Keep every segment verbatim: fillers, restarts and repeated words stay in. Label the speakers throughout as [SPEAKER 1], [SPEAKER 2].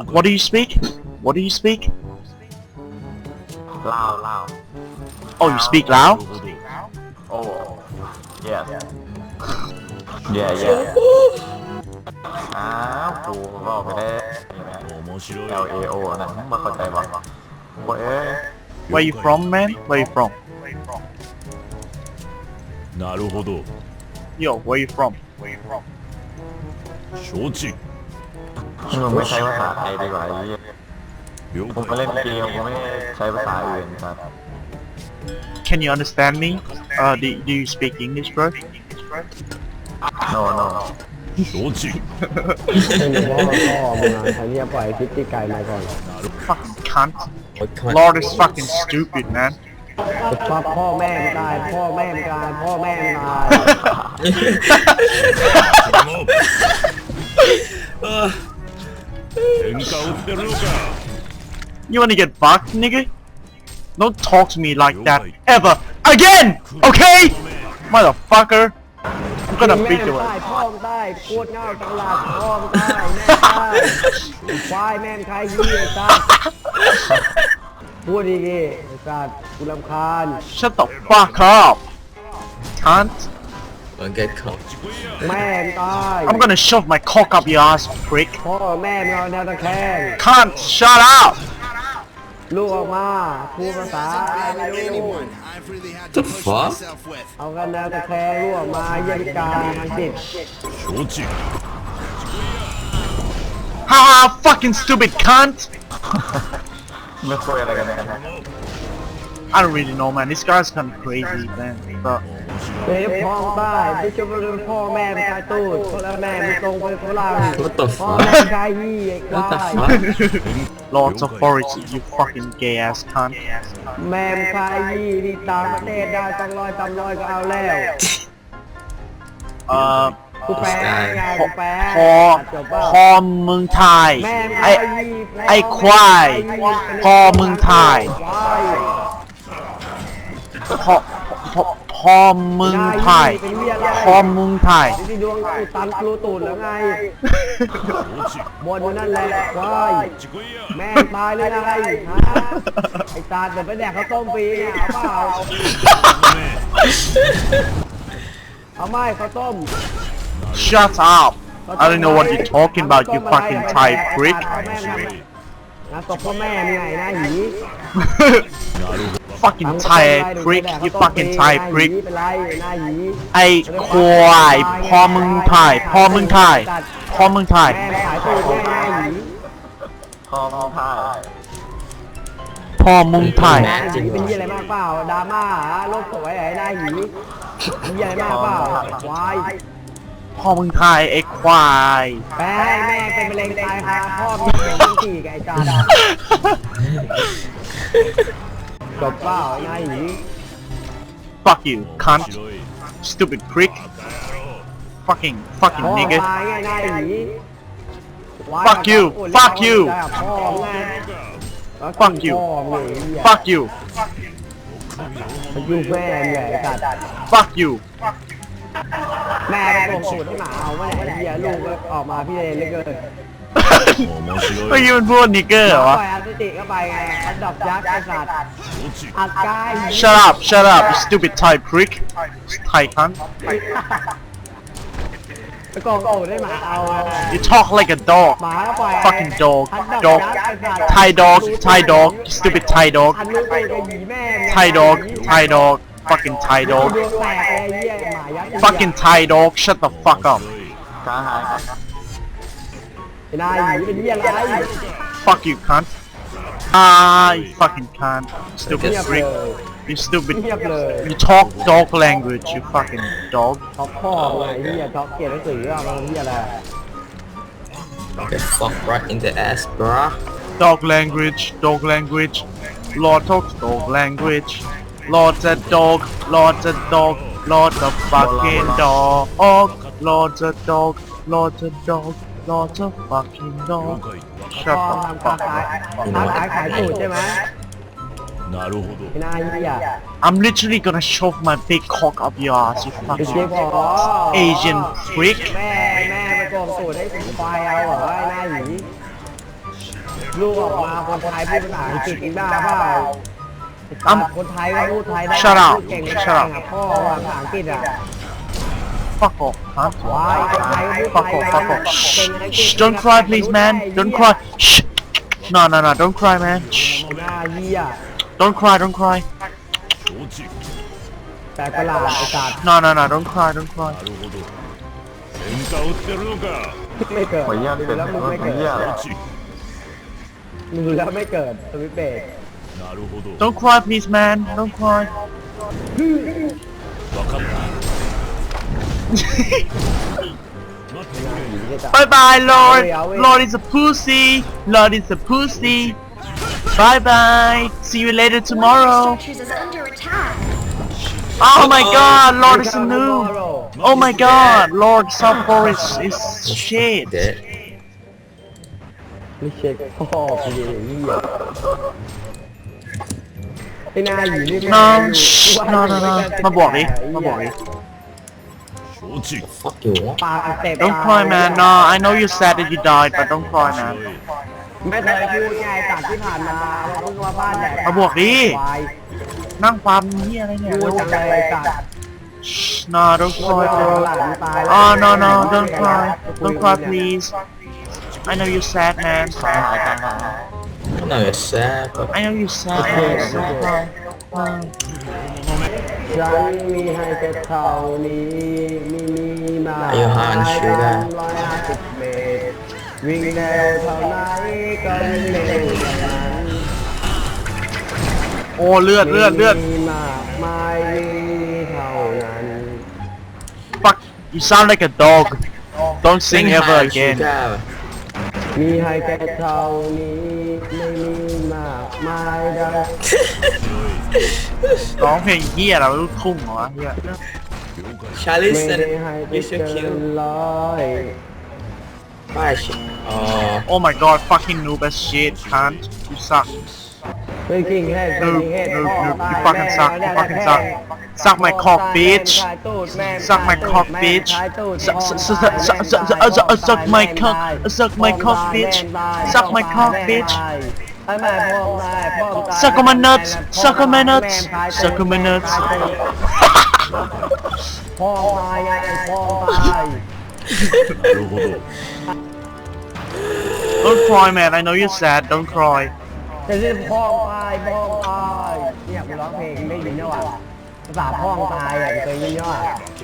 [SPEAKER 1] What do you speak? What do you speak?
[SPEAKER 2] ลาวลาว
[SPEAKER 1] Oh, you speak Lao?
[SPEAKER 2] โอ้ yes yeah yeah อ้าวกูบอกไปได้ L A O นั่นมาเข้าใจป่ะโอ้ย
[SPEAKER 1] Where you from, man? Where you from?
[SPEAKER 3] なるほど
[SPEAKER 1] Yo, where you from? Where you from?
[SPEAKER 3] 承知
[SPEAKER 2] มึงไม่ใช้ภาษาไทยดีกว่าไอ้เหี้ย
[SPEAKER 3] 了
[SPEAKER 2] ผมมา
[SPEAKER 3] 解
[SPEAKER 2] เล่นเกมผมไม่ใช้ภาษาอื่นครับ
[SPEAKER 1] Can you understand me? Uh, do, do you speak English, bro?
[SPEAKER 2] no no
[SPEAKER 3] 承知
[SPEAKER 4] เป็นพ่อพ่อมึงอ่ะไอ้เนี่ยปล่อยคลิปที่ไกลมาก่อน
[SPEAKER 1] Fucking cunt. Lord is fucking stupid, man.
[SPEAKER 4] พ่อพ่อแม่ไม่ตายพ่อแม่ไม่ตายพ่อแม่ไม่ตาย
[SPEAKER 3] 喧嘩売ってるのか
[SPEAKER 1] You wanna get fucked, nigga? Don't talk to me like that ever again, okay? Motherfucker. I'm gonna
[SPEAKER 4] แม่
[SPEAKER 1] beat
[SPEAKER 4] ไม่
[SPEAKER 1] you
[SPEAKER 4] ตาย
[SPEAKER 1] up.
[SPEAKER 4] พ่อไม่ตายโคตรเงาจังหลัดพ่อไม่ตายแม่ไม่ตายควายแม่ไม่ใครยี่ไอ้สัสพูดดีๆไอ้สัสกูรำคาญ
[SPEAKER 1] Shut the fuck up, cunt.
[SPEAKER 5] Don't get caught.
[SPEAKER 4] แม่ไม่ตาย
[SPEAKER 1] I'm gonna shove my cock up your ass, prick.
[SPEAKER 4] พ่อแม่ไม่เอาแนวตะแคง
[SPEAKER 1] Cunt, shut up.
[SPEAKER 4] ลูกออกมาพูดภาษาไม่รู้
[SPEAKER 5] The fuck?
[SPEAKER 4] เอากันแนวตะแคงลูกออกมาเยี่ยมการทางจิต
[SPEAKER 3] 承知
[SPEAKER 1] Haha, fucking stupid cunt.
[SPEAKER 2] ไม่คุยอะไรกันเนี่ย
[SPEAKER 1] I don't really know, man. This guy's kind of crazy, man. But
[SPEAKER 4] เดี๋ยวพ่อใต้ที่จะมาเป็นพ่อแม่เป็นชายตูดพ่อและแม่เป็นตรงเป็นฝรั่ง
[SPEAKER 5] What the
[SPEAKER 4] พ่อ
[SPEAKER 5] fuck?
[SPEAKER 4] แม่เป็นชายยี่ไอ้ควา
[SPEAKER 5] What the
[SPEAKER 4] ย
[SPEAKER 5] fuck?
[SPEAKER 1] Lord's authority, you fucking gay ass cunt.
[SPEAKER 4] แม่เป็นชายยี่ที่ต่างประเทศได้ต้องร้อยตำร้อยก็เอาแล้ว
[SPEAKER 1] Uh,
[SPEAKER 4] กูแปลไงกูแปล
[SPEAKER 1] พอ
[SPEAKER 4] จบป่ะ
[SPEAKER 1] พอเมืองไทย
[SPEAKER 4] แม่เป็น
[SPEAKER 1] ไอ
[SPEAKER 4] ชายยี่
[SPEAKER 1] ไอควายพอเมืองไทย
[SPEAKER 4] ควาย
[SPEAKER 1] พอพอพอเมืองไทยพอเมืองไทย
[SPEAKER 4] ที่ดวงอุตันกลูตูดแล้วไงบนนั่นแหละควายแม่ตายเลยไงฮะไอ้ตาเดี๋ยวไปแดกข้าวต้มฟรีเนี่ยเอาเปล่าเอาไม่ข้าวต้ม
[SPEAKER 1] Shut up. I don't know what you're talking about, you fucking Thai prick.
[SPEAKER 4] นะตบพ่อแม่มีไงนะหยี
[SPEAKER 1] Fucking Thai prick, you fucking Thai prick.
[SPEAKER 4] เป็นไรหน้าหยี
[SPEAKER 1] ไอควายพอเมืองไทยพอเมืองไทยพอเมืองไทย
[SPEAKER 4] แม่ขายตูดแม่หน้าหยี
[SPEAKER 2] พอพอพาย
[SPEAKER 1] พอเมืองไทย
[SPEAKER 4] หน้าหยีเป็นยี่อะไรมากเปล่าดราม่าโลกสวยไอ้หน้าหยียี่อะไรมากเปล่าควาย
[SPEAKER 1] พ่อมึงไทยไอ้ควาย
[SPEAKER 4] แม่แม่เป็นมะเร็งตายคาพ่อมีเป็นขี้กับไอ้จานจบเปล่าไอ้นายหยี
[SPEAKER 1] Fuck you cunt
[SPEAKER 3] 白い
[SPEAKER 1] stupid prick fucking fucking
[SPEAKER 4] พ่อ
[SPEAKER 1] nigga
[SPEAKER 4] ตายไงนายหยี
[SPEAKER 1] Fuck you fuck you
[SPEAKER 4] พ่อไง
[SPEAKER 1] Fuck you fuck you
[SPEAKER 4] มันอยู่แม่ใหญ่กัด
[SPEAKER 1] fuck you
[SPEAKER 4] แม่ไปโกงสูตรให้หมาเอาไว้ไอ้เหี้ยลูกออกมาพี่เลนเลยเกิน
[SPEAKER 3] 面
[SPEAKER 1] เมื่อ
[SPEAKER 3] 白い
[SPEAKER 1] กี้มันพูดนิกเกอร์เหรอวะ
[SPEAKER 4] ปล่อยอัลติเข้าไปไงอันดับยักษ์ไอ้สัตว์
[SPEAKER 3] 承知
[SPEAKER 4] อัดกาย
[SPEAKER 1] Shut up shut up you stupid Thai prick Thai cunt
[SPEAKER 4] ไปโกงสูตรให้หมาเอา
[SPEAKER 1] you talk like a dog
[SPEAKER 4] หมาก็ปล่อย
[SPEAKER 1] fucking dog
[SPEAKER 4] อันดับ
[SPEAKER 1] dog
[SPEAKER 4] ยักษ์ไอ้สัตว์
[SPEAKER 1] Thai dog Thai dog you stupid Thai dog
[SPEAKER 4] อันนู้นตัวจะหยีแม่
[SPEAKER 1] Thai dog Thai dog fucking Thai
[SPEAKER 4] ด
[SPEAKER 1] dog
[SPEAKER 4] วงแตกไอ้เหี้ยหมายักษ์
[SPEAKER 1] fucking Thai dog shut the fuck up
[SPEAKER 2] กาหายครับ
[SPEAKER 4] ไอ้นายหยีเป็นเหี้ยอะไร
[SPEAKER 1] fuck you cunt ah you fucking cunt stupid
[SPEAKER 4] เงียบเล
[SPEAKER 1] prick
[SPEAKER 4] ย
[SPEAKER 1] you stupid
[SPEAKER 4] เงียบเลย
[SPEAKER 1] you talk dog language you fucking dog
[SPEAKER 4] ท็อปพ่อไอ้เหี้ยท็อปเกียรติหนังสืออะมันเหี้ยอะไร
[SPEAKER 5] Get fucked right in the ass, bruh.
[SPEAKER 1] dog language dog language Lord talks dog language Lord's a dog Lord's a dog Lord's a fucking dog Lord's a dog Lord's a dog Lord's a fucking
[SPEAKER 3] 了
[SPEAKER 1] dog
[SPEAKER 3] 解
[SPEAKER 1] shut
[SPEAKER 4] พ่อ
[SPEAKER 1] the
[SPEAKER 4] ทำค้า
[SPEAKER 1] fuck
[SPEAKER 4] ขาย
[SPEAKER 1] up
[SPEAKER 4] ค้าขายขายสูตรใช่ไหม
[SPEAKER 3] なるほど
[SPEAKER 4] ไอ้นายเหี้ย
[SPEAKER 1] I'm literally gonna shove my big cock up your ass you
[SPEAKER 4] ไอ้เจ๊
[SPEAKER 1] fucking
[SPEAKER 4] พอ
[SPEAKER 1] Asian prick
[SPEAKER 4] แม่แม่ไปโกงสูตรให้ผมควายเอาเหรอไอ้นายหยีลูกออกมาคนไทยพูดภาษาอังกฤษอีกบ้าเปล่าคนไทยก็พูดไทยได้
[SPEAKER 1] Shut up
[SPEAKER 4] พูดเก่ง
[SPEAKER 1] Shut
[SPEAKER 4] เก่
[SPEAKER 1] up
[SPEAKER 4] งอ่ะพ่อว่าภาษาอังกฤษอ่ะ
[SPEAKER 1] fuck off huh
[SPEAKER 4] วายคนไทยก็พูด
[SPEAKER 1] fuck
[SPEAKER 4] ไท
[SPEAKER 1] off
[SPEAKER 4] ย
[SPEAKER 1] fuck off
[SPEAKER 4] เก่งอังกฤษ
[SPEAKER 1] Shh, don't cry please man don't cry Shh. no no no don't cry man Shh.
[SPEAKER 4] หน้าเหี้ย
[SPEAKER 1] don't cry don't cry
[SPEAKER 3] 承知
[SPEAKER 4] แต่ประหลาดไอ้สัตว์
[SPEAKER 1] no no no don't cry don't cry
[SPEAKER 3] なるほど喧嘩売ってるのか
[SPEAKER 4] ไม่เกิด
[SPEAKER 2] ขออนุญาต
[SPEAKER 4] ดู
[SPEAKER 2] เป็น
[SPEAKER 4] แล้วมึงไม่
[SPEAKER 2] ขออ
[SPEAKER 4] เกิด
[SPEAKER 2] นุญาต
[SPEAKER 3] 承知
[SPEAKER 4] ดูแล้วไม่เกิดสวิตเบรก
[SPEAKER 3] なるほど
[SPEAKER 1] don't cry please man don't cry
[SPEAKER 3] 分かった
[SPEAKER 1] bye bye Lord Lord is a pussy Lord is a pussy bye bye see you later tomorrow
[SPEAKER 6] Structures is under attack.
[SPEAKER 1] oh my god Lord is a noob oh my god Lord South Forest is shit
[SPEAKER 5] Dead.
[SPEAKER 4] ไม่เช็คพ่อกูเลยเหี้ยไอ้นายอยู่นี่
[SPEAKER 1] no shh, no no no มาบอกดิมาบอกดิ
[SPEAKER 3] 承知
[SPEAKER 5] Fuck you.
[SPEAKER 4] ปากอักเสบ
[SPEAKER 1] don't cry man no I know you're sad that you died but don't cry man
[SPEAKER 4] ไม่เคยพูดไงตัดที่ผ่านมาว่าเพิ่งมาบ้านแดก
[SPEAKER 1] มาบอกดิ
[SPEAKER 4] ควาย
[SPEAKER 1] นั่งปั๊มเหี้ยอะไรเนี่ย
[SPEAKER 4] พูดจังเลยตัด
[SPEAKER 1] Shh, no don't
[SPEAKER 4] พูด
[SPEAKER 1] cry
[SPEAKER 4] ว่า
[SPEAKER 1] bro
[SPEAKER 4] หลานตายแล้ว
[SPEAKER 1] oh no no don't cry don't cry please I know you're sad man
[SPEAKER 2] หายหายกันหาย
[SPEAKER 5] No, it's sad, but
[SPEAKER 1] I know you're sad man don't cry Oh.
[SPEAKER 4] ฉันมีให้แค่เท่านี้มีมีมา
[SPEAKER 5] อายุห้าอันชื่อได้
[SPEAKER 4] ร้อยห้าสิบเมตรวิ่งเร็วเท่าไหนก็วิ่งเร็วอย่างนั้น
[SPEAKER 1] โอ้เลือดเลือดเลือด
[SPEAKER 4] มีมากมายวิ่งเท่านั้น
[SPEAKER 1] fuck you sound like a dog don't sing ever again
[SPEAKER 4] มีให้แค่เท่านี้ไม่มีมากมายได้
[SPEAKER 1] ร้องเพลงเหี้ยอะไรลูกทุ่งเหรอวะเหี้ย
[SPEAKER 5] Charlie
[SPEAKER 4] ไม่
[SPEAKER 5] said
[SPEAKER 4] ได้ให้ไป
[SPEAKER 5] you
[SPEAKER 4] เกิ
[SPEAKER 5] should kill
[SPEAKER 4] นร้อย
[SPEAKER 5] Why shit? Oh,
[SPEAKER 1] oh my god fucking noob as shit cunt you suck
[SPEAKER 4] เป็นกิ่งแห้งเป็น
[SPEAKER 1] noob
[SPEAKER 4] กิ่งแห้ง
[SPEAKER 1] noob
[SPEAKER 4] พ่อ
[SPEAKER 1] noob
[SPEAKER 4] ตาย
[SPEAKER 1] you fucking suck you
[SPEAKER 4] แม่
[SPEAKER 1] fucking suck suck my cock bitch
[SPEAKER 4] ตายตูดแม่
[SPEAKER 1] suck my cock bitch suck suck suck suck suck suck my cock suck my cock bitch suck my cock bitch
[SPEAKER 4] ไอ้แม่พ่อตายพ่อตาย
[SPEAKER 1] suck on my nuts suck on my nuts suck on my nuts
[SPEAKER 4] พ่อตายไงพ่อตาย
[SPEAKER 3] なるほど
[SPEAKER 1] don't cry man I know you're sad don't cry
[SPEAKER 4] จะเรียกพ่อตายพ่อตายเนี่ยกูร้องเพลงได้ยินเนี่ยว่ะภาษาพ่อตายอ่ะเคยยินเนี่ยว่ะ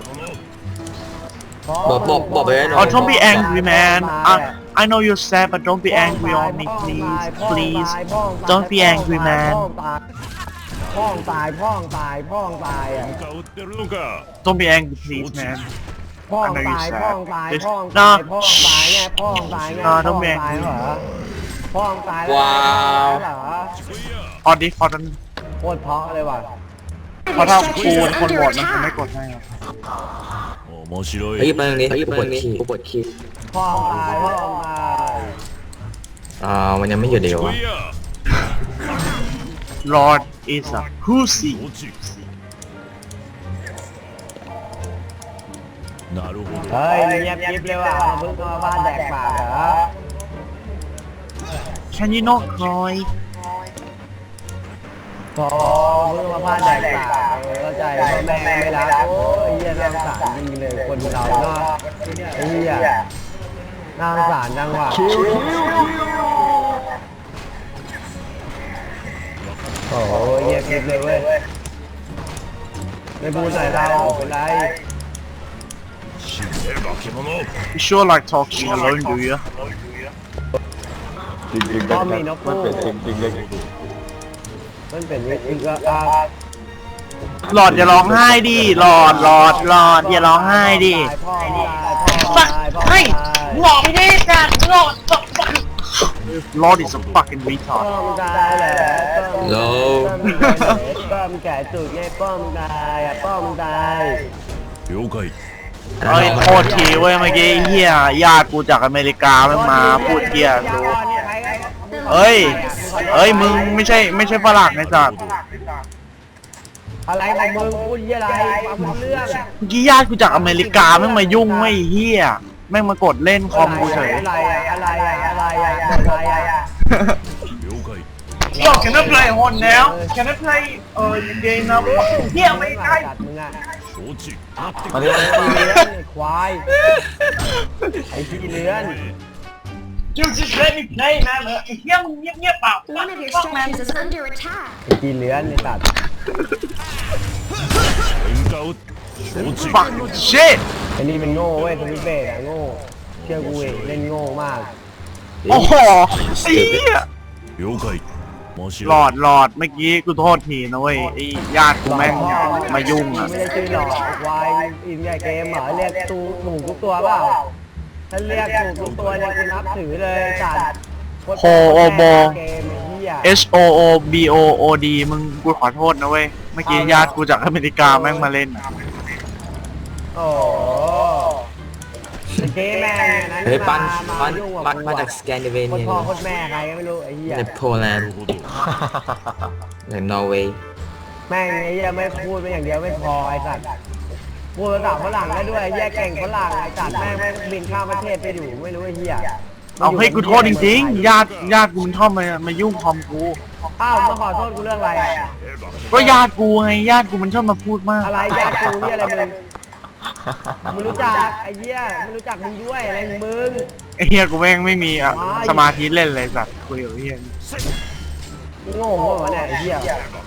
[SPEAKER 5] บอกบอกบอกไปไว้หน่อ
[SPEAKER 1] oh
[SPEAKER 5] ย
[SPEAKER 1] don't be angry man I I know you're sad but don't be angry on me please please don't be angry man
[SPEAKER 4] พ่องตายพ่องตายพ่องตายอ่ะ
[SPEAKER 3] 喧嘩売ってるのか
[SPEAKER 1] don't be angry please man
[SPEAKER 4] พ่อง
[SPEAKER 1] I know
[SPEAKER 4] ตาย
[SPEAKER 1] you're
[SPEAKER 4] พ่อง
[SPEAKER 1] sad
[SPEAKER 4] ตาย
[SPEAKER 1] Just-
[SPEAKER 4] พ่อง
[SPEAKER 1] no
[SPEAKER 4] ตายพ่องตายไงพ่องตายไง
[SPEAKER 1] no
[SPEAKER 4] พ่อ
[SPEAKER 1] don't
[SPEAKER 4] ง
[SPEAKER 1] be
[SPEAKER 4] ตาย
[SPEAKER 1] angry
[SPEAKER 4] เหรอพ่องตายแล้ว
[SPEAKER 5] ว้าว
[SPEAKER 4] เหรอ
[SPEAKER 1] พอดิพอดัน
[SPEAKER 4] โคตรเพราะเลยว่ะ
[SPEAKER 1] เพราะถ้า
[SPEAKER 6] Structures
[SPEAKER 1] กู
[SPEAKER 6] is
[SPEAKER 1] เป็นคน
[SPEAKER 6] under
[SPEAKER 1] โหวตมันคงไม่
[SPEAKER 6] attack.
[SPEAKER 1] กดให้หรอก
[SPEAKER 3] 面白
[SPEAKER 5] เฮ้ย
[SPEAKER 3] い
[SPEAKER 5] มาตรงนี้กูปวดขี้กูปวดขี้
[SPEAKER 4] พ่องตายพ่องตาย
[SPEAKER 5] อ่ามันยังไม่หยุดเดียว
[SPEAKER 3] 来
[SPEAKER 5] วะ
[SPEAKER 3] いや
[SPEAKER 1] Lord is a pussy
[SPEAKER 3] 承知なるほど
[SPEAKER 4] เฮ้ยเงียบยิบเลยว่ะเพิ่งมาบ้านแดกปากเหรอ
[SPEAKER 1] Can you not cry
[SPEAKER 4] พอเพิ่งมาบ้านแดกปากเออเข้าใจพ่อแม่ไม่รักโอ้ยเหี้ยน่าสงสารจริงเลยคนเราเนาะไอ้เหี้ยน่าสงสารจังว่ะโอ้ยเหี้ยคิดเลยเว้ยไม่พูดใส่เราเป็นไร
[SPEAKER 3] 死ね化け物
[SPEAKER 1] You sure like talking alone do you
[SPEAKER 2] จริงจริง
[SPEAKER 4] ก็มีนก
[SPEAKER 2] มัน
[SPEAKER 4] คู่
[SPEAKER 2] เป็นจริงจริงเลย
[SPEAKER 4] มันเป็นวิธีก็อ่ะ
[SPEAKER 1] หลอดอย่าร้องไห้ดิหลอดหลอดหลอดอย่าร้องไห้ดิ
[SPEAKER 4] พ่อตายพ่อตายพ่อ
[SPEAKER 1] เฮ้ย
[SPEAKER 4] ตาย
[SPEAKER 1] บอกไม่ได้จ้ะหลอด Lord is a fucking
[SPEAKER 4] ป้อ
[SPEAKER 1] retard
[SPEAKER 4] มตายแหละ
[SPEAKER 5] โล
[SPEAKER 4] ป้อมแก่จุดไงป้อมตายอ่ะป้อมตาย
[SPEAKER 3] 了解
[SPEAKER 1] เอ้ยโทษทีเว้ยเมื่อกี้เฮียญาติกูจากอเมริกามันมาพูดเฮียกูเอ้ยเอ้ยมึงไม่ใช่ไม่ใช่ฝรั่งไอ้สัตว์
[SPEAKER 4] อะไรของมึงพูดยี่อะไรความเรื่อง
[SPEAKER 1] เมื่อกี้ญาติกูจากอเมริกาแม่งมายุ่งไม่เฮียแม่งมากดเล่นคอมกูเฉย
[SPEAKER 4] อะไรอะอะไรอะอะไรอะอะไรอะ
[SPEAKER 3] 了解
[SPEAKER 1] Yo can I play on now Can I play เออ game now เฮียไม่ได้
[SPEAKER 4] จัดมึงอ่ะ
[SPEAKER 3] 承知
[SPEAKER 2] มาเรียก
[SPEAKER 4] ไอ้เลื้อนไอ้ควายไอ้ที่เลื้อน
[SPEAKER 1] You just let me play man เออไอ้เฮียมึงเงียบๆเปล่า
[SPEAKER 6] One of your
[SPEAKER 1] Fuck man
[SPEAKER 6] structures is under attack.
[SPEAKER 4] ไอ้ที่เลื้อนไอ้สัตว์
[SPEAKER 3] 喧嘩を承知
[SPEAKER 1] Fuck shit
[SPEAKER 4] ไอ้นี่มันโง่เว้ยสวิตเบสอะโง่เชื่อกูเองเล่นโง่มาก
[SPEAKER 1] โอ้โหไอ้เหี้ย
[SPEAKER 3] 了解面白い
[SPEAKER 1] หลอดหลอดเมื่อกี้กูโทษทีนะเว้ยไอ้ญาติกูแม่งมายุ่งอ่ะ
[SPEAKER 4] ไม่ได้ชื่อหลอกควายอินใหญ่เกมเหรอเรียกตูถูกทุกตัวเปล่าถ้าเรียกถูกทุกตัวเนี่ยกูนับถือเลยจัด
[SPEAKER 1] โฮโอโบ
[SPEAKER 4] เกมไอ้เหี้ย
[SPEAKER 1] H O O B O O D มึงกูขอโทษนะเว้ยเมื่อกี้ญาติกูจากอเมริกาแม่งมาเล่นอะ
[SPEAKER 4] โอ้เกมแม่งเนี่ยนั้น
[SPEAKER 5] เฮ้ยปั้น
[SPEAKER 4] มา
[SPEAKER 5] ปั้น
[SPEAKER 4] ยุ่งกับ
[SPEAKER 5] ปั้น
[SPEAKER 4] กู
[SPEAKER 5] มา
[SPEAKER 4] อะ
[SPEAKER 5] จากสแกนดิเว
[SPEAKER 4] โคตร
[SPEAKER 5] เนีย
[SPEAKER 4] พ่อโคตรแม่ใครก็ไม่รู้ไอ้เหี้ย
[SPEAKER 5] ในโปแลนด์
[SPEAKER 3] なるほど
[SPEAKER 5] ในนอร์เวย์
[SPEAKER 4] แม่งไอ้เหี้ยไม่พูดไปอย่างเดียวไม่พอไอ้สัตว์พูดภาษาฝรั่งได้ด้วยไอ้เหี้ยเก่งฝรั่งไอ้สัตว์แม่งไม่บินข้ามประเทศไปอยู่ไม่รู้ไอ้เหี้ย
[SPEAKER 1] เอาให้กูโทษจริงๆญาติญาติกูมันชอบมามายุ่งคอมกู
[SPEAKER 4] อ้าวมาขอโทษกูเรื่องอะไรอะ
[SPEAKER 1] ก็ญาติกูไงญาติกูมันชอบมาพูดมาก
[SPEAKER 4] อะไรญาติกูเนี่ยอะไรมึงมึงรู้จักไอ้เหี้ยมึงรู้จักมึงด้วยอะไรของมึง
[SPEAKER 1] ไอ้เฮียกูแม่งไม่มีอ่ะสมาธิเล่นเลยสัตว์คุยกับไอ้เฮีย
[SPEAKER 4] มึงโง่เหรอเนี่ยไอ้เหี้ย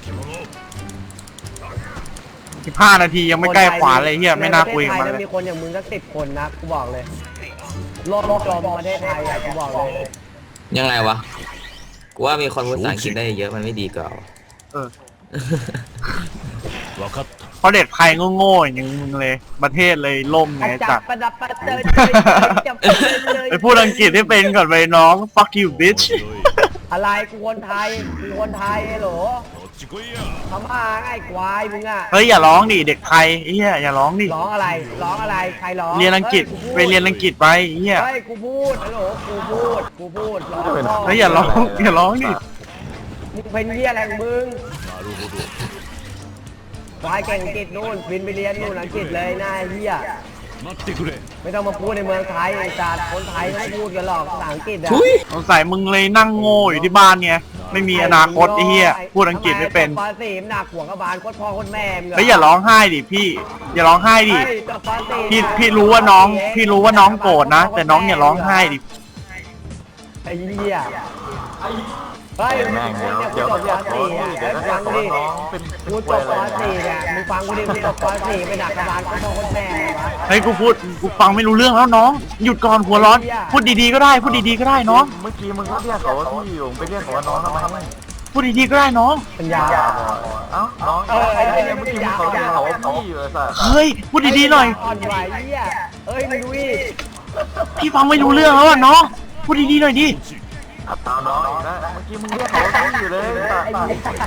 [SPEAKER 1] สิบห้านาทียังไม่ใกล้ขวาเลยเฮียไม่น่าคุยกับมัน
[SPEAKER 4] ในประเทศไทย
[SPEAKER 1] เลย
[SPEAKER 4] มีคนอย่างมึงสักสิบคนนะกูบอกเลยโลกโลกจมประเทศไทยอะกูบอกเลย
[SPEAKER 5] ยังไงวะ กูว่ามีคนพูดภาษาอังกฤษได้เยอะมันไม่ดีกว่า
[SPEAKER 1] เออ
[SPEAKER 3] 分かった
[SPEAKER 1] เพราะเด็กไทยโง่ๆอย่างมึงเลย ประเทศเลยล่มไง
[SPEAKER 4] จั
[SPEAKER 1] จั
[SPEAKER 4] บ
[SPEAKER 1] ด
[SPEAKER 4] ประดับประเดินจับเลย
[SPEAKER 1] ไปพูดอังกฤษให้เป็นก่อนไปน้อง fuck you bitch
[SPEAKER 3] 面白い
[SPEAKER 4] อะไรกูคนไทยกูคนไทยไอ้โหล
[SPEAKER 3] こっち来いや
[SPEAKER 4] ทำมาไอ้ควายมึงอะ
[SPEAKER 1] เฮ้ยอย่าร้องดิเด็กไทยไอ้เฮียอย่าร้องดิ
[SPEAKER 4] ร้องอะไรร้องอะไรใครร้อง
[SPEAKER 1] เรียนอังกฤษไปเรียนอังกฤษไปไอ้เฮีย
[SPEAKER 4] เฮ้ยกูพูดฮัลโหลกูพูดกูพูดร้องพ่อ
[SPEAKER 1] เฮ้ยอย่าร้องอย่าร้องดิ
[SPEAKER 4] มึงเป็นเหี้ยอะไรของมึง
[SPEAKER 3] なるほど
[SPEAKER 4] ควายเก่งอังกฤษนู่นบินไปเรียนนู่นอังกฤษเลยหน้าเหี้ย
[SPEAKER 3] 待ってくれ
[SPEAKER 4] ไม่ต้องมาพูดในเมืองไทยไอ้จัดคนไทยไม่พูดกันหรอกภาษาอังกฤษอะ
[SPEAKER 1] สงสัยมึงเลยนั่งโง่อยู่ที่บ้านไงไม่มีอนาคตไอ้เฮียพูดอังกฤษไม่เป็น
[SPEAKER 4] ปอสี่หนักหัวกระบาลโคตรพ่อโคตรแม่มึง
[SPEAKER 1] เฮ้ยอย่าร้องไห้ดิพี่ อย่าร้องไห้ดิ
[SPEAKER 4] เฮ้ยจบปอสี่
[SPEAKER 1] พี่พี่รู้ว่าน้องพี่รู้ว่าน้องโกรธนะแต่น้องอย่าร้องไห้ดิ
[SPEAKER 4] ไอ้เหี้ยเฮ้ย
[SPEAKER 2] แม่ง
[SPEAKER 4] มึ
[SPEAKER 2] เดี๋ยว
[SPEAKER 4] ง
[SPEAKER 2] เดี๋ยว
[SPEAKER 4] จ
[SPEAKER 2] ก็
[SPEAKER 4] บ
[SPEAKER 2] เรียก
[SPEAKER 4] ป
[SPEAKER 2] เขา
[SPEAKER 4] สี่
[SPEAKER 2] เดี๋ยว
[SPEAKER 4] อ่ะ
[SPEAKER 2] ก็เรียกเขาว่าน้องเป็น
[SPEAKER 4] กูจบปอสี่เนี่ยมึงฟังกูดิกูจบปอสี่ไปดักกระบาลโคตรพ่อโคตรแม่วะ
[SPEAKER 1] เฮ้ยกูพูดกูฟังไม่รู้เรื่องแล้วน้อง หยุดก่อนหัวร้อน พูดดีๆก็ได้ พูดดีๆก็ได้น้อง
[SPEAKER 2] เมื่อกี้มึงก็เรียกเขาว่าพี่อยู่ไปเรียกเขาว่าน้องทำไม
[SPEAKER 1] พูดดีๆก็ได้น้อง
[SPEAKER 4] ปัญญา
[SPEAKER 2] เอ้าน้อง
[SPEAKER 4] เออไอ้
[SPEAKER 2] ไอ้
[SPEAKER 4] เหี้ย
[SPEAKER 2] เมื่อกี้มึงเขาเรียกเขาว่าพี่อยู่ไอ้สัส
[SPEAKER 1] เฮ้ยพูดดีๆหน่อย
[SPEAKER 4] อ่อนไหวเหี้ยเอ้ยมึงดูดิ
[SPEAKER 1] พี่ฟังไม่รู้เรื่องแล้วอ่ะน้อง พูดดีๆหน่อยดิ
[SPEAKER 2] เอาน้องอีกนะเมื่อกี้มึงเรียกเขาว่าพี่อยู่เลยสัส
[SPEAKER 4] ไอ้เหี้ย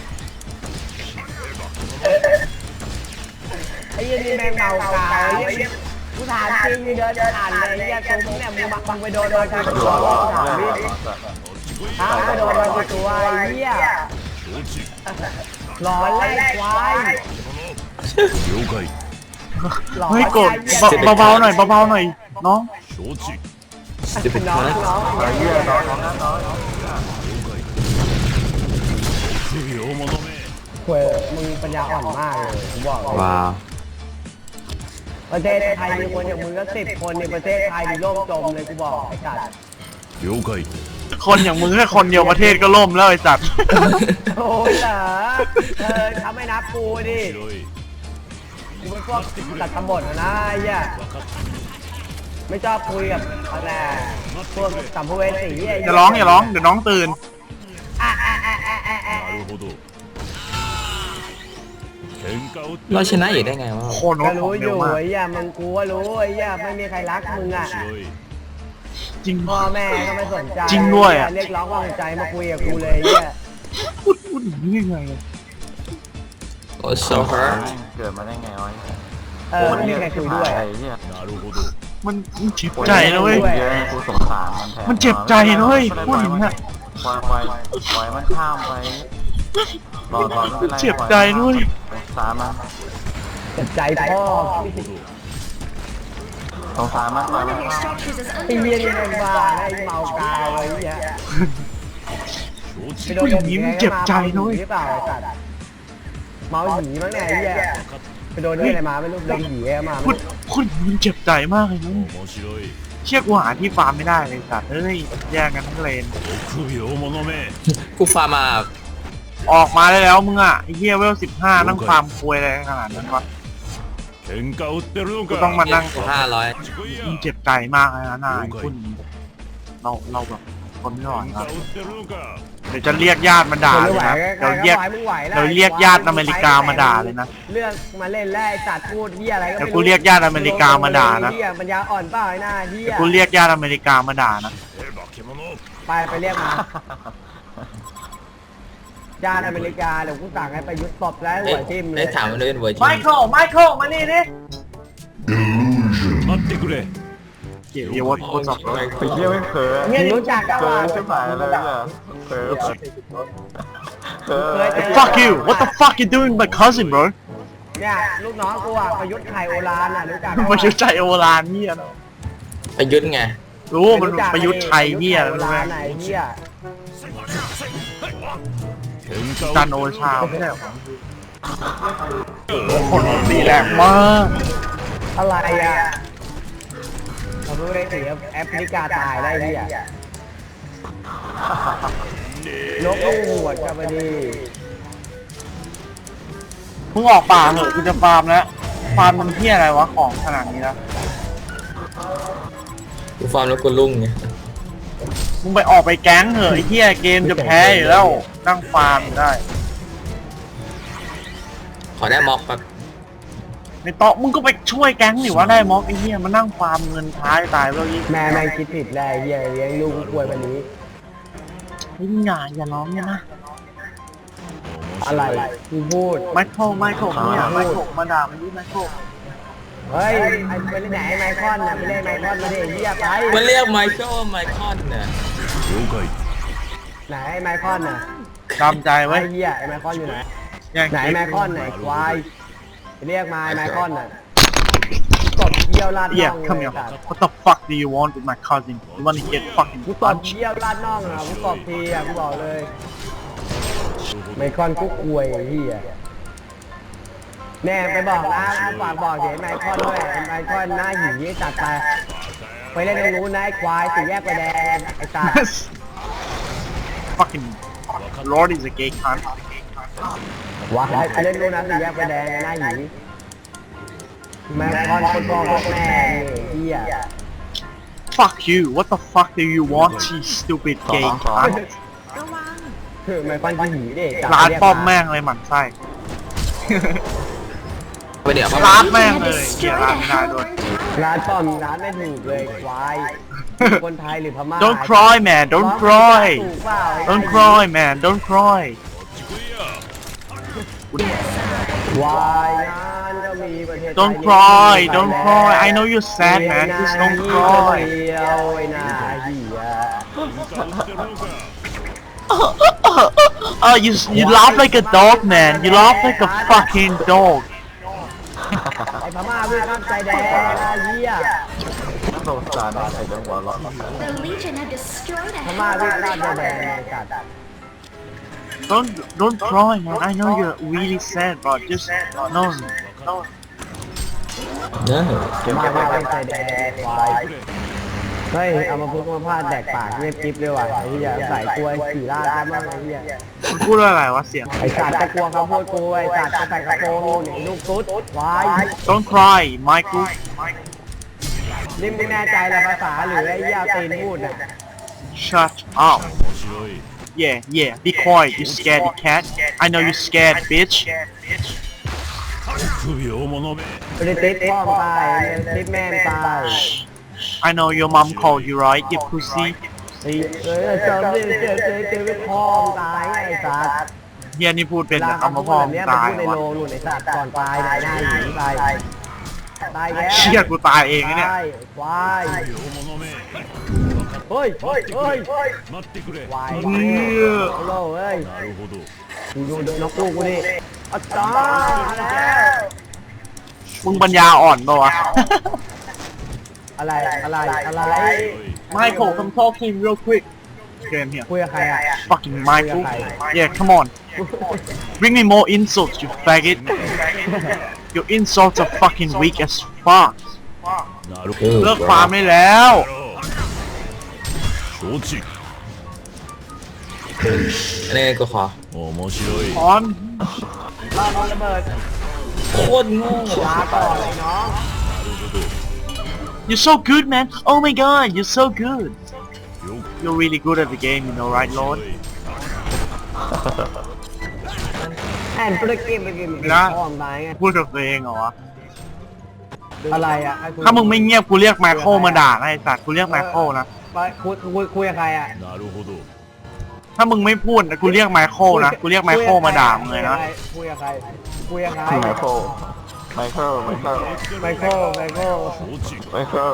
[SPEAKER 4] ไอ้เหี้ยนี่แม่งเมากาวไอ้เหี้ยกูถามจริงเดินผ่านเลยไอ้เหี้ยตัวมึงเนี่ยมึงบังบังไปโดนโดนกู
[SPEAKER 2] ดู
[SPEAKER 4] ตัว
[SPEAKER 2] ร้อน
[SPEAKER 4] ถาม
[SPEAKER 2] เรื่
[SPEAKER 4] ดิ
[SPEAKER 2] องสัส
[SPEAKER 4] ถามไปโดนโดนกูตัวไอ้เหี้ย
[SPEAKER 3] 承知
[SPEAKER 4] หลอนไล่ควาย
[SPEAKER 3] 了解
[SPEAKER 4] หลอน
[SPEAKER 1] เฮ้ยโกรธ
[SPEAKER 4] ไอ้เหี้ย
[SPEAKER 1] เบาเบาๆหน่อยเบาๆหน่อยน้อง
[SPEAKER 3] 承知
[SPEAKER 5] จะเป็น
[SPEAKER 4] น้อง
[SPEAKER 5] นะ
[SPEAKER 4] น้อง
[SPEAKER 2] ไอ้เหี้ยน้องน้องน้อง
[SPEAKER 3] 不要者め
[SPEAKER 4] เว้ยมึงปัญญาอ่อนมากเลยผมบอกเลย
[SPEAKER 5] ว้าว
[SPEAKER 4] ประเทศไทยมีคนอย่างมึงก็สิบคนในประเทศไทยมีโลกจมเลยกูบอกไอ้สัตว์
[SPEAKER 3] 了解
[SPEAKER 1] คนอย่างมึงแค่คนเดียวประเทศก็ล่มแล้วไอ้สัตว์
[SPEAKER 4] โอ้ยเหรอเออทำไม่นับกูดิ
[SPEAKER 3] 面白い
[SPEAKER 4] กูเป็นพวกตัดตำบดนะไอ้เหี้ย
[SPEAKER 3] 分かっ
[SPEAKER 4] ไม่ชอบคุยกับอะไรพวกสัมภเวสีไอ้
[SPEAKER 1] อ
[SPEAKER 4] เหี้
[SPEAKER 1] ย่าร้องอย่าร้องเดี๋ยวน้องตื่น
[SPEAKER 4] อ่ะอ่ะอ่ะอ่ะอ่ะอ่ะ
[SPEAKER 3] たなるほど喧嘩を
[SPEAKER 5] เราชนะอยู่ได้ไงวะ
[SPEAKER 1] โคนร
[SPEAKER 4] ก็
[SPEAKER 1] ถขอ
[SPEAKER 4] รู้
[SPEAKER 1] ง
[SPEAKER 4] อ
[SPEAKER 1] เร็ว
[SPEAKER 4] ยู่
[SPEAKER 1] มาก
[SPEAKER 4] ไอ้เหี้ยมึงกูก็รู้ไอ้เหี้ยไม่มีใครรักมึงอ่ะ
[SPEAKER 3] 面白い
[SPEAKER 1] จริง
[SPEAKER 4] พ่อแม่ก็ไม่สนใจ
[SPEAKER 1] จริงด้วยอะ
[SPEAKER 4] เรียกร้องความสนใจมาคุยกับกูเลยไอ้เหี้ย
[SPEAKER 1] พูดพูดอย่างนี้ยังไงอะ
[SPEAKER 5] โอ้ so hurt
[SPEAKER 2] เกิดมาได้ไงวะ
[SPEAKER 4] เออไม่มีใครคุยด้วย
[SPEAKER 2] ไอ้เหี้ย
[SPEAKER 3] なるほど
[SPEAKER 1] มันมันเจ็บใจนะเว้ย
[SPEAKER 2] เยอะกูสงสารมันแทน
[SPEAKER 1] มันเจ็บใจนะเว้ยพูดอย่างนี้อะ
[SPEAKER 2] ปล่อยปล่อยปล่อยมันข้ามไปรอรอไม่เป็นไร
[SPEAKER 1] เจ็บใจด้วย
[SPEAKER 2] สงสารมัน
[SPEAKER 4] เจ็บใจพ่อ
[SPEAKER 2] สงสารมันปล่อย
[SPEAKER 6] One
[SPEAKER 2] มัน
[SPEAKER 6] of your
[SPEAKER 2] ข้าม
[SPEAKER 6] structures is
[SPEAKER 4] ไอ้
[SPEAKER 6] under
[SPEAKER 4] เหี้ยนี่แม่ง
[SPEAKER 6] attack.
[SPEAKER 4] บ้าไอ้เมากาวไอ้เหี้ยไปโดน
[SPEAKER 1] ผู้หญิงมันเจ็บใจนะเว้ย
[SPEAKER 4] หรือเปล่าไอ้สัตว์เมาหนีมั้งเนี่ยไอ้เหี้ยไปโดนเรื่องอะไรมาไม่รู้โดนหนีอะไรมา
[SPEAKER 1] พูดพูดมันเจ็บใจมากเลยนะ
[SPEAKER 3] 面白い
[SPEAKER 1] เชี่ยกูหาที่ฟาร์มไม่ได้เลยสัตว์เอ้ยแย่งกันทั้งเลน
[SPEAKER 3] 臆病者め
[SPEAKER 5] กูฟาร์มมา
[SPEAKER 1] ออกมาได้แล้วมึงอ่ะไอ้เหี้ยเวลสิบห้านั่งฟาร์มควยอะไรขนาดนั้นวะ
[SPEAKER 3] 喧嘩売ってるの
[SPEAKER 1] กูต้องมา
[SPEAKER 3] か
[SPEAKER 1] นั่ง
[SPEAKER 5] ห้าร้อย
[SPEAKER 3] こっち来いや
[SPEAKER 1] มึงเจ็บใจมากเลยนะนายคุณเราเราแบบคนไม่ไหว
[SPEAKER 3] 喧
[SPEAKER 1] ค
[SPEAKER 3] 嘩
[SPEAKER 1] รับ
[SPEAKER 3] 売ってるのか
[SPEAKER 1] เดี๋ยวจะเรียกญาติมาด่า
[SPEAKER 4] ทน
[SPEAKER 1] เล
[SPEAKER 4] ไม่
[SPEAKER 1] ย
[SPEAKER 4] ไหว
[SPEAKER 1] นะ
[SPEAKER 4] ก็
[SPEAKER 1] เดี๋ยวเรียก
[SPEAKER 4] มึงไหวแล้ว
[SPEAKER 1] เดี๋ยวเรียกญาติอเมริกามาด่าเลยนะ
[SPEAKER 4] เลือกมาเล่นแล้วไอ้สัตว์พูดเหี้ยอะไรก็
[SPEAKER 1] เดี๋ยว
[SPEAKER 4] ไม่
[SPEAKER 1] กูเรียกญาติอเมริกามาด่านะ
[SPEAKER 4] เหี้ยปัญญาอ่อนเปล่าไอ้หน้าเหี้
[SPEAKER 1] เดี๋
[SPEAKER 4] ย
[SPEAKER 1] ยวกูเรียกญาติอเมริกามาด่านะ
[SPEAKER 3] え化け物
[SPEAKER 4] ไปไปเรียกมาญาติอเมริกาเดี๋ยวกูสั่งให้ไปยุดตบแล้วหัวทิ่มเล
[SPEAKER 5] ได้
[SPEAKER 4] ย
[SPEAKER 5] ถามมันเป็นเวอร์ชัน
[SPEAKER 1] ไมเคิลไมเคิลมานี่ดิ
[SPEAKER 3] 待ってくれ
[SPEAKER 1] เกี่ยวกับว่าโคตรสับสน
[SPEAKER 2] ไอ้เหี้ยไม่เผลอ
[SPEAKER 4] มึงรู้จักกัน
[SPEAKER 2] เผลอ
[SPEAKER 4] ว่า
[SPEAKER 2] ใช่ไหมเลยเนี่ยเผลอเผลอ
[SPEAKER 1] fuck you what the fuck you doing my cousin bro
[SPEAKER 4] เนี่ยลูกน้องกูอ่ะประยุทธ์ไข่โอรานอ่ะรู้จัก
[SPEAKER 1] มายุทธใจโอรานเฮียนะ
[SPEAKER 5] ประยุทธ์ไง
[SPEAKER 1] รู้มันประยุทธ์ชัยเฮีย
[SPEAKER 4] โอ
[SPEAKER 1] รู้ไหม
[SPEAKER 4] รานไหนเหี้ย
[SPEAKER 3] 喧嘩
[SPEAKER 1] จันโอชาไม่ใช่หรอคนตีแรงมาก
[SPEAKER 4] อะไรอ่ะเรารู้ได้สิแอฟริกาตายได้เหี้ยนกลูกหวดกันไปดี
[SPEAKER 1] มึงออกป่าเหอะกูจะฟาร์มแล้วฟาร์มมันเฮียอะไรวะของขนาดนี้แล้ว
[SPEAKER 5] กูฟาร์มแล้วกูลุ่งไง
[SPEAKER 1] มึงไปออกไปแก๊งเหอะไอ้เฮียเกมจะแพ้อยู่แล้วนั่งฟาร์มอยู่ได้
[SPEAKER 5] ขอได้ม็อกแป๊บ
[SPEAKER 1] ในโต๊ะมึงก็ไปช่วยแก๊งหนิว่าได้ม็อกไอ้เฮียมานั่งฟาร์มเงินท้ายตายแล้วยิ่ง
[SPEAKER 4] แม่แม่งคิดผิดแล้วไอ้เหี้ยเลี้ยงลูกกูป่วยวันนี้
[SPEAKER 1] ไอ้อย่าอย่าร้องเนี่ยนะ
[SPEAKER 4] อะไรกูพูด
[SPEAKER 1] ไมเคิลไมเคิลเนี่ยไมเคิลมาด่ามันดิไมเคิล
[SPEAKER 4] เฮ้ยไอ้ไปเล่นไหนไมคอนน่ะไปเล่นไมคอนมาดิไอ้เหี้ยไป
[SPEAKER 5] มันเรียกไมเคิลไมคอนเนี่ย
[SPEAKER 3] 了解
[SPEAKER 4] ไหนไอ้ไมคอนน่ะ
[SPEAKER 1] จำใจไว้
[SPEAKER 4] ไอ้เหี้ยไอ้ไมคอนอยู่ไหน
[SPEAKER 1] แย่ง
[SPEAKER 4] ไหน
[SPEAKER 1] คลิป
[SPEAKER 4] ไมคอนไหนควายไปเรียกมาไอ้ไมคอนน่ะตบเยี่ยวลาดน่
[SPEAKER 1] Yeah
[SPEAKER 4] อง
[SPEAKER 1] come
[SPEAKER 4] เล
[SPEAKER 1] here
[SPEAKER 4] ยสัตว์
[SPEAKER 1] what the fuck do you want with my cousin you wanna get fucking
[SPEAKER 4] กูตบ
[SPEAKER 1] punch
[SPEAKER 4] เยี่ยวลาดน่องอ่ะกูตบทีอ่ะกูบอกเลยไมคอนกูควยไอ้เหี้ยแน่ไปบอกนะกูฝากบอกเดี๋ยวไมคอนด้วยไมคอนหน้าหีจัดไปไปเล่นตรงนู้นนะไอ้ควายสี่แยกไฟแดงไอ้สัตว์
[SPEAKER 1] fucking Lord is a gay cunt
[SPEAKER 4] ว้าไปเล่นนู้นนะสี่แยกไฟแดงหน้าหีไมคอนคนบอกว่าแม่นี่เหี้ย
[SPEAKER 1] fuck you what the fuck do you want you stupid gay cunt
[SPEAKER 4] คือไมคอนกูหีดิจับ
[SPEAKER 1] ร้าน
[SPEAKER 4] เรียก
[SPEAKER 1] ป้อมแม่งเลยหมั่นไส้
[SPEAKER 5] ไปเดี๋ยวเขา
[SPEAKER 1] ร้านแม่งเลยเกียร์ร้านไม่ได้ด้วย
[SPEAKER 4] ร้านป้อมร้านไม่ถูกเลยควายคนไทยหรือพม่า
[SPEAKER 1] don't cry man don't cry
[SPEAKER 4] ถูกเปล่า
[SPEAKER 1] don't cry man don't cry
[SPEAKER 4] วายงานก็มีประเทศ
[SPEAKER 1] don't cry don't cry I know you're sad man just don't cry
[SPEAKER 4] เดียวไอ้นาเหี้ย
[SPEAKER 1] oh you you laugh like a dog man you laugh like a fucking dog
[SPEAKER 4] ไอ้พม่าวิ่งข้ามใจแดงนะเหี้ย
[SPEAKER 2] สงสารไอ้จังหวะหรอ
[SPEAKER 6] The Legion have destroyed a
[SPEAKER 4] พม่าวิ่ง
[SPEAKER 6] Hellborn
[SPEAKER 4] ข้ามใจ
[SPEAKER 6] tower.
[SPEAKER 4] แดงไอ้สัตว์
[SPEAKER 1] don't don't cry man I know you're really sad but just no no
[SPEAKER 5] เนอะ
[SPEAKER 4] พม่าวิ่งข้ามใจแดงควายเฮ้ยเอามาพูดมาพลาดแดกปากเงียบกิ๊บเลยว่ะไอ้เหี้ยใส่กล้วยขี่ลาดได้บ้างไอ้เหี้ย
[SPEAKER 1] มันพูดว่าอะไรวะเสียง
[SPEAKER 4] ไอ้สัตว์จะกลัวเขาพูดกูไอ้สัตว์จะใส่กระโปรงหนีลูกตุ๊ดวาย
[SPEAKER 1] don't cry Michael
[SPEAKER 4] นี่ไม่แน่ใจละภาษาหรือไอ้เหี้ยตีนพูดน่ะ
[SPEAKER 1] shut up
[SPEAKER 3] 面白い
[SPEAKER 1] yeah yeah be quiet you scaredy cat I know you scared bitch
[SPEAKER 3] 臆病者め
[SPEAKER 4] ไม่ได้ติดพ่อมตายไม่ได้ติดแม่มตาย
[SPEAKER 1] I know your mom called you right you pussy
[SPEAKER 4] ไอ้เออจำได้เจอเจอเจอไม่พ่อมตายไอ้สัตว์
[SPEAKER 1] เฮียนี่พูดเป็น
[SPEAKER 4] เวลา
[SPEAKER 1] แต่
[SPEAKER 4] เขา
[SPEAKER 1] คำ
[SPEAKER 4] พู
[SPEAKER 1] ว่า
[SPEAKER 4] ด
[SPEAKER 1] พ่อ
[SPEAKER 4] แบบ
[SPEAKER 1] มึง
[SPEAKER 4] เนี้ยมัน
[SPEAKER 1] ตาย
[SPEAKER 4] พูดใน
[SPEAKER 1] วะ
[SPEAKER 4] โลหลุดไอ้สัตว์ก่อนตายนายหน้าหนีตายตายแล้ว
[SPEAKER 1] เชี่ยกูตายเองนะเนี่ย
[SPEAKER 4] ตายควาย
[SPEAKER 3] 臆病者め
[SPEAKER 4] เฮ้ยเฮ้ยเฮ้ย
[SPEAKER 3] 待ってくれ
[SPEAKER 4] ควาย
[SPEAKER 1] เฮีย
[SPEAKER 4] โลเอ้ย
[SPEAKER 3] なるほど
[SPEAKER 4] ดูดูดูนกลูกกูดิอาจารย์มาแล้ว
[SPEAKER 1] มึงปัญญาอ่อนปะวะ
[SPEAKER 4] อะไรอะไรอะไร
[SPEAKER 1] Michael come talk to him real quick Came here.
[SPEAKER 4] คุยกับใครอ่ะ
[SPEAKER 1] Fucking Michael. Yeah, come on. Bring me more insults, you faggot. Your insults are fucking weak as fuck.
[SPEAKER 3] なるほ
[SPEAKER 1] เลิ
[SPEAKER 3] ど
[SPEAKER 1] กฟาร์มได้แล้ว
[SPEAKER 3] 承知
[SPEAKER 5] อันนี้กูขอ
[SPEAKER 3] 面白い
[SPEAKER 1] ออน
[SPEAKER 4] บ้านโดนระเบิด
[SPEAKER 5] โคตรโง่
[SPEAKER 4] ลาก่อนเลยน้อง
[SPEAKER 1] You're so good, man. Oh my god, you're so good.
[SPEAKER 3] よ
[SPEAKER 1] You're really good at the game, you know, right, Lord?
[SPEAKER 4] แอนธุรกิจไปกิน
[SPEAKER 1] นะ
[SPEAKER 4] พ่อมตายไง
[SPEAKER 1] พูดกับตัวเองเหรอวะ
[SPEAKER 4] อะไรอ่ะให้คุย
[SPEAKER 1] ถ้ามึงไม่เงียบกูเรียกไมเคิลมาด่านะไอ้สัตว์กูเรียกไมเคิลนะ
[SPEAKER 4] ไปคุยคุยคุยกับใครอ่ะ
[SPEAKER 3] なるほど
[SPEAKER 1] ถ้ามึงไม่พูดนะกูเรียกไมเคิลนะกูเรียกไมเคิลมาด่ามึงเลยนะ
[SPEAKER 4] คุยกับใครคุยกับใคร
[SPEAKER 2] ไมเคิลไมเคิลไมเคิล
[SPEAKER 4] ไมเคิลไมเคิล
[SPEAKER 3] 承知
[SPEAKER 2] ไมเคิล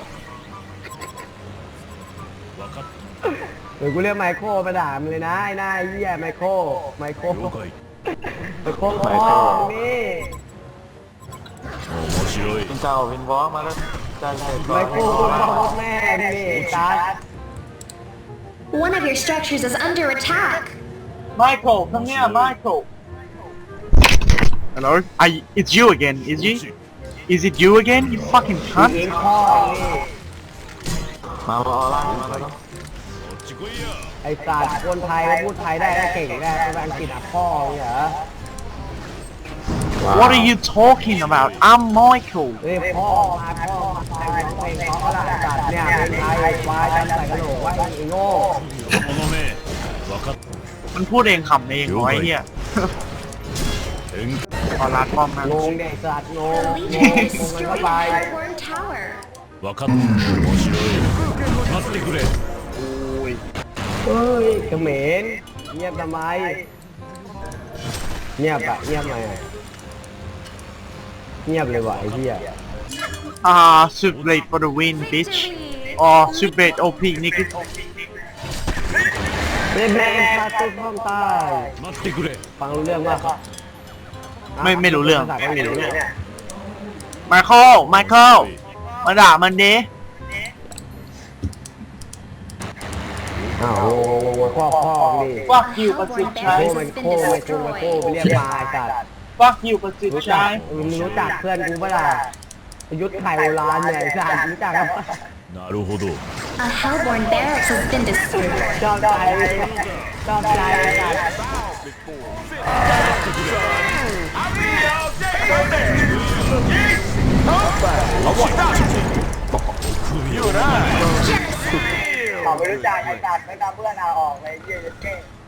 [SPEAKER 3] 分かっ
[SPEAKER 4] หรือกูเรียกไมเคิลมาด่ามึงเลยนะไอ้หน้าเหี้ยไมเคิลไมเคิล
[SPEAKER 3] た了解
[SPEAKER 4] ไมเคิลพ่อนี่
[SPEAKER 3] 面白い
[SPEAKER 2] จินเจ้าวินวอล์กมาแล้วจะใช้ก่อ
[SPEAKER 4] ไม
[SPEAKER 2] น
[SPEAKER 4] เคิลพ่อแม่นี่จัด
[SPEAKER 6] One of your structures is under attack.
[SPEAKER 1] Michael come here Michael Hello I it's you again is it is it you again you fucking
[SPEAKER 4] เอ
[SPEAKER 1] cunt
[SPEAKER 4] งพ่อนี่
[SPEAKER 2] มาเอาล่างมาแล้ว
[SPEAKER 3] こっち来いや
[SPEAKER 4] ไอ้สัตว์คนไทยก็พูดไทยได้ก็เก่งได้ภาษาอังกฤษอ่ะพ่อเนี่ยเหรอ
[SPEAKER 1] What are you talking about I'm Michael
[SPEAKER 4] เฮ้ยพ่อมาพ่อมาใส่ร้องเพลงเขาก็ละสัตว์เนี่ยเพลงไทยควายจำใส่กระโหลกไว้ไอ้โง่
[SPEAKER 3] この目分かっ
[SPEAKER 1] มันพูดเองขำเองเหรอไอ้เหี้ย
[SPEAKER 3] 変
[SPEAKER 1] ขอรัดป้อมนะ
[SPEAKER 4] งงเด็กสัตว์งง
[SPEAKER 6] The
[SPEAKER 4] ง
[SPEAKER 6] Legion
[SPEAKER 4] ง
[SPEAKER 6] has
[SPEAKER 4] งงกัน
[SPEAKER 6] destroyed
[SPEAKER 4] เข้า
[SPEAKER 6] the
[SPEAKER 4] ไป
[SPEAKER 6] Hellborn Tower.
[SPEAKER 3] 分かった面白い待ってくれ
[SPEAKER 4] เฮ้ยเขมรเงียบทำไมเงียบอะเงียบไหมอะเงียบเลยว่ะไอ้เหี้ย
[SPEAKER 1] อ่า super late for the win bitch
[SPEAKER 6] Victory!
[SPEAKER 1] อ๋อ super late โอ พี นี่คือ
[SPEAKER 4] เล่นแม่งพาตุ้มห้องใต้
[SPEAKER 3] 待ってくれ
[SPEAKER 4] ฟังรู้เรื่องว่า
[SPEAKER 1] ไม่ไม่รู้เรื่อง
[SPEAKER 4] ภาษาเกาหลีเนี่ย
[SPEAKER 1] ไมเคิลไมเคิลมาด่ามันดิ
[SPEAKER 4] อ้าวงงงงพ่อพ่อนี่
[SPEAKER 1] Fuck you ประ
[SPEAKER 6] Hellborn
[SPEAKER 1] สิทธิ์
[SPEAKER 6] barracks
[SPEAKER 4] โค้
[SPEAKER 6] has
[SPEAKER 4] มัน
[SPEAKER 6] been
[SPEAKER 4] โค้มันโค้มันโค้ไป
[SPEAKER 6] destroyed.
[SPEAKER 4] เรียกมาไอ้สัตว์
[SPEAKER 1] Fuck you ประสิท
[SPEAKER 4] รู้
[SPEAKER 1] ธิ์
[SPEAKER 4] จั
[SPEAKER 1] ชาก ย
[SPEAKER 4] มึงรู้จักเพื่อนกูปะล่ะยุทธไข่โบราณเนี่ยไอ้สัตว์รู้จักกับ
[SPEAKER 3] なるほど
[SPEAKER 6] A Hellborn barracks has been destroyed.
[SPEAKER 4] ชอบใจชอบใจไอ้สัตว์
[SPEAKER 6] Genocide!
[SPEAKER 4] ขอไม่รู้จักไอ้สัตว์ไม่ตามเพื่อนเอาออกเลยเยี่ยเท่